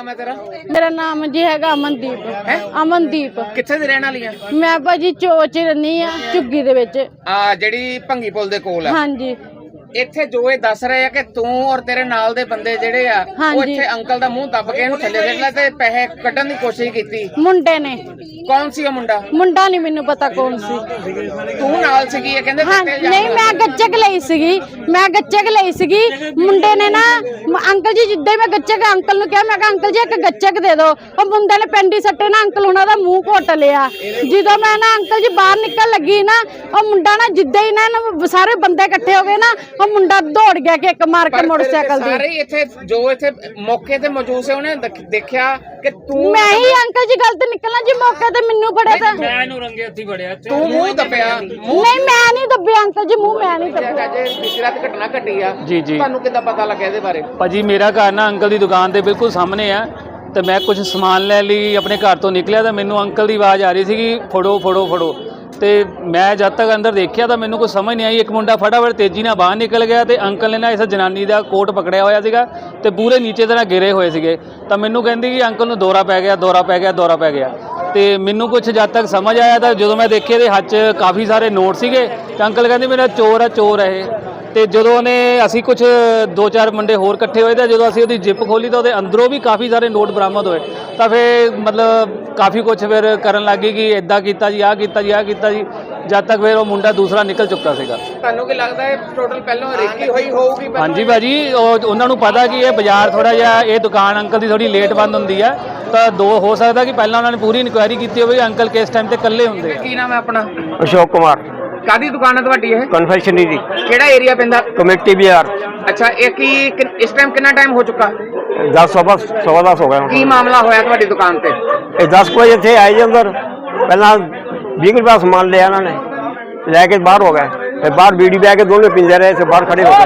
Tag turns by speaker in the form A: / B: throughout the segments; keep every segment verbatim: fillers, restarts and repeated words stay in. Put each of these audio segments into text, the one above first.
A: ਨਾਮ ਹੈ ਤੇਰਾ?
B: ਮੇਰਾ ਨਾਮ ਜੀ ਹੈਗਾ ਅਮਨਦੀਪ। ਅਮਨਦੀਪ।
A: ਕਿੱਥੇ ਦੇ ਰਹਿਣ ਵਾਲੀ ਆ?
B: ਮੈਂ ਭਾਜੀ ਚੋਚ ਰਹਿੰਦੀ ਆ ਝੁੱਗੀ ਦੇ ਵਿੱਚ।
A: ਆ ਜਿਹੜੀ ਭੰਗੀ ਪੁਲ ਦੇ ਕੋਲ ਆ।
B: ਹਾਂਜੀ।
A: ਇੱਥੇ ਜੋ ਇਹ ਦੱਸ ਰਹੇ ਆ ਕਿ ਤੂੰ ਔਰ ਤੇਰੇ ਨਾਲ ਦੇ ਬੰਦੇ ਜਿਹੜੇ ਆ ਉਹ ਇੱਥੇ ਅੰਕਲ ਦਾ ਮੂੰਹ ਦੱਬ ਕੇ ਇਹਨੂੰ ਥੱਲੇ ਦੇਖ ਲੈ ਤੇ ਪੈਸੇ ਕੱਢਣ ਦੀ ਕੋਸ਼ਿਸ਼ ਕੀਤੀ।
B: ਮੁੰਡੇ ਨੇ।
A: ਕੌਣ ਸੀ ਉਹ ਮੁੰਡਾ?
B: ਮੁੰਡਾ ਨਹੀਂ ਮੈਨੂੰ ਪਤਾ ਕੌਣ ਸੀ।
A: ਤੂੰ ਨਾਲ ਸੀਗੀ ਇਹ ਕਹਿੰਦੇ?
B: ਹਾਂ ਨਹੀਂ, ਮੈਂ ਗੱਚਕ ਲਈ ਸੀਗੀ। ਮੈਂ ਗੱਚਕ ਲਈ ਸੀਗੀ। ਮੁੰਡੇ ਨੇ ਨਾ ਅੰਕਲ ਜੀ ਜਿੱਦਾਂ ਹੀ ਮੈਂ ਗੱਚਕ ਅੰਕਲ ਨੂੰ ਕਿਹਾ, ਮੈਂ ਕਿਹਾ ਅੰਕਲ ਜੀ ਇੱਕ ਗੱਚਕ ਦੇ ਦਿਓ। ਉਹ ਮੁੰਡੇ ਨੇ ਪੈਂਡੀ ਸੱਟੇ ਨਾ ਅੰਕਲ ਉਹਨਾਂ ਦਾ ਮੂੰਹ ਘੁੱਟ ਲਿਆ। ਜਦੋਂ ਮੈਂ ਨਾ ਅੰਕਲ ਜੀ ਬਾਹਰ ਨਿਕਲ ਲੱਗੀ ਨਾ, ਉਹ ਮੁੰਡਾ ਨਾ ਜਿੱਦਾਂ ਹੀ ਨਾ ਸਾਰੇ ਬੰਦੇ ਇਕੱਠੇ ਹੋ ਗਏ ਨਾ, ਉਹ ਮੁੰਡਾ ਦੌੜ ਗਿਆ ਕਿ ਇੱਕ ਮਾਰ ਕੇ ਮੋਟਰਸਾਈਕਲ ਦੀ।
A: ਸਾਰੇ ਇੱਥੇ ਜੋ ਇੱਥੇ ਮੌਕੇ ਤੇ ਮੌਜੂਦ ਸੀ ਉਹਨੇ ਦੇਖਿਆ ਕਿ ਤੂੰ?
B: ਮੈਂ ਹੀ ਅੰਕਲ ਜੀ ਗਲਤ ਨਿਕਲਣਾ ਜੀ, ਮੌਕੇ ਤੇ ਮੈਨੂੰ ਫੜਿਆ ਤਾਂ
C: ਮੈਂ ਇਹਨੂੰ ਰੰਗੇ ਹੱਥੀ ਫੜਿਆ।
A: ਤੂੰ ਮੂੰਹ ਦੱਬਿਆ?
B: ਨਹੀਂ ਮੈਂ ਨਹੀਂ ਦੱਬਿਆ ਅੰਕਲ ਜੀ, ਮੂੰਹ ਮੈਂ ਨਹੀਂ ਦੱਬਿਆ।
A: ਅੱਜ ਪਿਛਲੀ ਰਾਤ ਘਟਨਾ ਘਟੀ ਆ
C: ਜੀ ਜੀ।
A: ਤੁਹਾਨੂੰ ਕਿੱਦਾਂ ਪਤਾ ਲੱਗਿਆ ਇਹਦੇ ਬਾਰੇ?
C: ਭਾਜੀ ਮੇਰਾ ਘਰ ਨਾ ਅੰਕਲ ਦੀ ਦੁਕਾਨ ਦੇ ਬਿਲਕੁਲ ਸਾਹਮਣੇ ਆ ਤੇ ਮੈਂ ਕੁਝ ਸਮਾਨ ਲੈ ਲਈ ਆਪਣੇ ਘਰ ਤੋਂ ਨਿਕਲਿਆ ਤਾਂ ਮੈਨੂੰ ਅੰਕਲ ਦੀ ਆਵਾਜ਼ ਆ ਰਹੀ ਸੀਗੀ ਫੜੋ ਫੜੋ ਫੜੋ। ਤੇ ਮੈਂ ਜਦ ਤੱਕ ਅੰਦਰ ਦੇਖਿਆ ਤਾਂ ਮੈਨੂੰ ਕੋਈ ਸਮਝ ਨਹੀਂ ਆਈ। ਇੱਕ ਮੁੰਡਾ ਫਟਾਫਟ ਤੇਜ਼ੀ ਨਾਲ ਬਾਹਰ ਨਿਕਲ ਗਿਆ ਤੇ ਅੰਕਲ ਨੇ ਨਾ ਇਸ ਜਨਾਨੀ ਦਾ ਕੋਟ ਪਕੜਿਆ ਹੋਇਆ ਸੀਗਾ ਤੇ ਪੂਰੇ ਨੀਚੇ ਤਰ੍ਹਾਂ ਗਿਰੇ ਹੋਏ ਸੀਗੇ। ਤਾਂ ਮੈਨੂੰ ਕਹਿੰਦੀ ਕਿ ਅੰਕਲ ਨੂੰ ਦੌਰਾ ਪੈ ਗਿਆ ਦੌਰਾ ਪੈ ਗਿਆ ਦੌਰਾ ਪੈ ਗਿਆ। ਤੇ ਮੈਨੂੰ ਕੁਝ ਜਦ ਤੱਕ ਸਮਝ ਆਇਆ ਤਾਂ ਜਦੋਂ ਮੈਂ ਦੇਖਿਆ ਇਹਦੇ ਹੱਥ 'ਚ ਕਾਫੀ ਸਾਰੇ ਨੋਟ ਸੀਗੇ ਤੇ ਅੰਕਲ ਕਹਿੰਦੇ ਮੇਰਾ ਚੋਰ ਆ ਚੋਰ ਹੈ ਇਹ। ਤੇ ਜਦੋਂ ਉਹਨੇ ਅਸੀਂ ਕੁਝ ਦੋ ਚਾਰ ਮੁੰਡੇ ਹੋਰ ਇਕੱਠੇ ਹੋਏ ਤਾਂ ਜਦੋਂ ਅਸੀਂ ਉਹਦੀ ਜਿੱਪ ਖੋਲੀ ਤਾਂ ਉਹਦੇ ਅੰਦਰੋਂ ਵੀ ਕਾਫੀ ਸਾਰੇ ਨੋਟ ਬਰਾਮਦ ਹੋਏ। ਤਾਂ ਫਿਰ ਮਤਲਬ ਕਾਫੀ ਕੁਝ ਫਿਰ ਕਰਨ ਲੱਗੀ ਕਿ ਇਦਾਂ ਕੀਤਾ ਜੀ ਆਹ ਕੀਤਾ ਜੀ ਆਹ ਕੀਤਾ ਜੀ, ਜਦ ਤੱਕ ਫਿਰ ਉਹ ਮੁੰਡਾ ਦੂਸਰਾ ਨਿਕਲ ਚੁੱਕਾ ਸੀਗਾ।
A: ਤੁਹਾਨੂੰ ਕੀ ਲੱਗਦਾ ਹੈ ਟੋਟਲ ਪਹਿਲਾਂ ਰੇਕੀ ਹੋਈ ਹੋਊਗੀ?
C: ਹਾਂਜੀ ਭਾਜੀ, ਉਹ ਉਹਨਾਂ ਨੂੰ ਪਤਾ ਕਿ ਇਹ ਬਾਜ਼ਾਰ ਥੋੜਾ ਜਿਹਾ ਇਹ ਦੁਕਾਨ ਅੰਕਲ ਦੀ ਥੋੜੀ ਲੇਟ ਬੰਦ ਹੁੰਦੀ ਆ ਤਾਂ ਦੋ ਹੋ ਸਕਦਾ ਕਿ ਪਹਿਲਾਂ ਉਹਨਾਂ ਨੇ ਪੂਰੀ ਇਨਕੁਆਇਰੀ ਕੀਤੀ ਹੋਵੇ ਅੰਕਲ ਕਿਸ ਟਾਈਮ ਤੇ ਇਕੱਲੇ ਹੁੰਦੇ।
A: ਕੀ ਨਾਮ ਹੈ ਆਪਣਾ?
D: ਅਸ਼ੋਕ ਕੁਮਾਰ।
A: ਕਾਦੀ ਦੁਕਾਨ ਹੈ ਤੁਹਾਡੀ ਇਹ?
D: ਕਨਫੈਕਸ਼ਨਰੀ ਦੀ।
A: ਕਿਹੜਾ ਏਰੀਆ ਪੈਂਦਾ?
D: ਕਮੇਟੀ ਬਾਜ਼ਾਰ।
A: ਅੱਛਾ, ਇਹ ਕੀ ਇਸ ਟਾਈਮ ਕਿੰਨਾ ਟਾਈਮ ਹੋ ਚੁੱਕਾ?
D: ਦਸ ਸਵਾ ਸਵਾ ਦਸ ਹੋ ਗਏ।
A: ਕੀ ਮਾਮਲਾ ਹੋਇਆ ਤੁਹਾਡੀ ਦੁਕਾਨ ਤੇ?
D: ਇਹ ਦਸ ਵਜੇ ਇੱਥੇ ਆਏ ਜੀ ਅੰਦਰ, ਪਹਿਲਾਂ ਵੀਹ ਰੁਪਏ ਸਮਾਨ ਲਿਆ ਇਹਨਾਂ ਨੇ, ਲੈ ਕੇ ਬਾਹਰ ਹੋ ਗਏ। ਫਿਰ ਬਾਹਰ ਬੀੜੀ ਬੈ ਕੇ ਦੋਨੋਂ ਪੀਂਦੇ ਰਹੇ, ਬਾਹਰ ਖੜੇ ਹੋ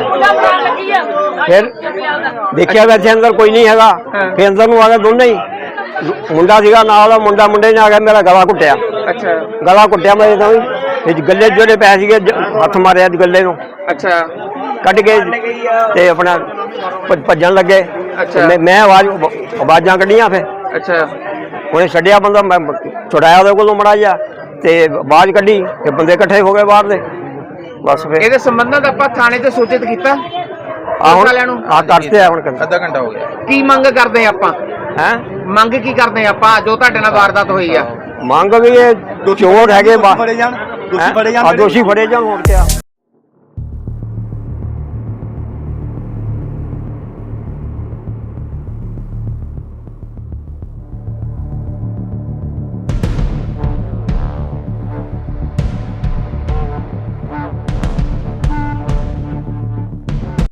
D: ਗਏ। ਫਿਰ ਦੇਖਿਆ ਵੈਸੇ ਅੰਦਰ ਕੋਈ ਨਹੀਂ ਹੈਗਾ। ਫਿਰ ਅੰਦਰ ਨੂੰ ਆ ਗਏ ਦੋਨੇ ਹੀ। ਮੁੰਡਾ ਸੀਗਾ ਨਾਲ ਦਾ, ਮੁੰਡਾ ਮੁੰਡੇ ਨੇ ਆ ਗਿਆ ਮੇਰਾ ਗਲਾ ਘੁੱਟਿਆ।
A: ਅੱਛਾ,
D: ਗਲਾ ਘੁੱਟਿਆ ਮੈਂ ਤਾਂ ਗੱਲੇ ਜਿਹੜੇ ਪੈ ਸੀਗੇ ਹੱਥ ਮਾਰਿਆ ਗੱਲੇ ਨੂੰ।
A: ਅੱਛਾ,
D: ਕੱਢ ਕੇ ਤੇ ਆਪਣਾ ਭੱਜਣ ਲੱਗੇ।
A: ਅੱਛਾ,
D: ਮੈਂ ਆਵਾਜ਼ ਆਵਾਜ਼ਾਂ ਕੱਢੀਆਂ। ਫਿਰ
A: ਅੱਛਾ,
D: ਉਹਨੇ ਛੱਡਿਆ ਬੰਦਾ, ਮੈਂ ਛੁਡਾਇਆ ਉਹਦੇ ਕੋਲੋਂ ਮੜਾ ਜਾ ਤੇ ਆਵਾਜ਼ ਕੱਢੀ ਤੇ ਬੰਦੇ ਇਕੱਠੇ ਹੋ ਗਏ ਬਾਹਰ ਦੇ। ਬਸ ਫਿਰ
A: ਇਹਦੇ ਸੰਬੰਧਤ ਆਪਾਂ ਥਾਣੇ ਤੇ ਸੂਚਿਤ ਕੀਤਾ
D: ਆ ਹੁਣ ਆ ਕਰਤੇ ਆ ਹੁਣ
A: ਅੱਧਾ ਘੰਟਾ ਹੋ ਗਿਆ। ਕੀ ਮੰਗ ਕਰਦੇ ਆਪਾਂ?
D: ਹੈ
A: ਮੰਗ ਕੀ ਕਰਦੇ ਆਪਾਂ ਜੋ ਤੁਹਾਡੇ ਨਾਲ ਵਾਰਦਾਤ ਹੋਈ ਆ?
D: ਮੰਗ ਵੀ ਇਹ ਚੋਰ ਹੈਗੇ, ਦੋਸ਼ੀ ਫੜੇ ਜਾਣ, ਦੋਸ਼ੀ ਫੜੇ ਜਾਣ ਹੋਰ ਕਿਆ।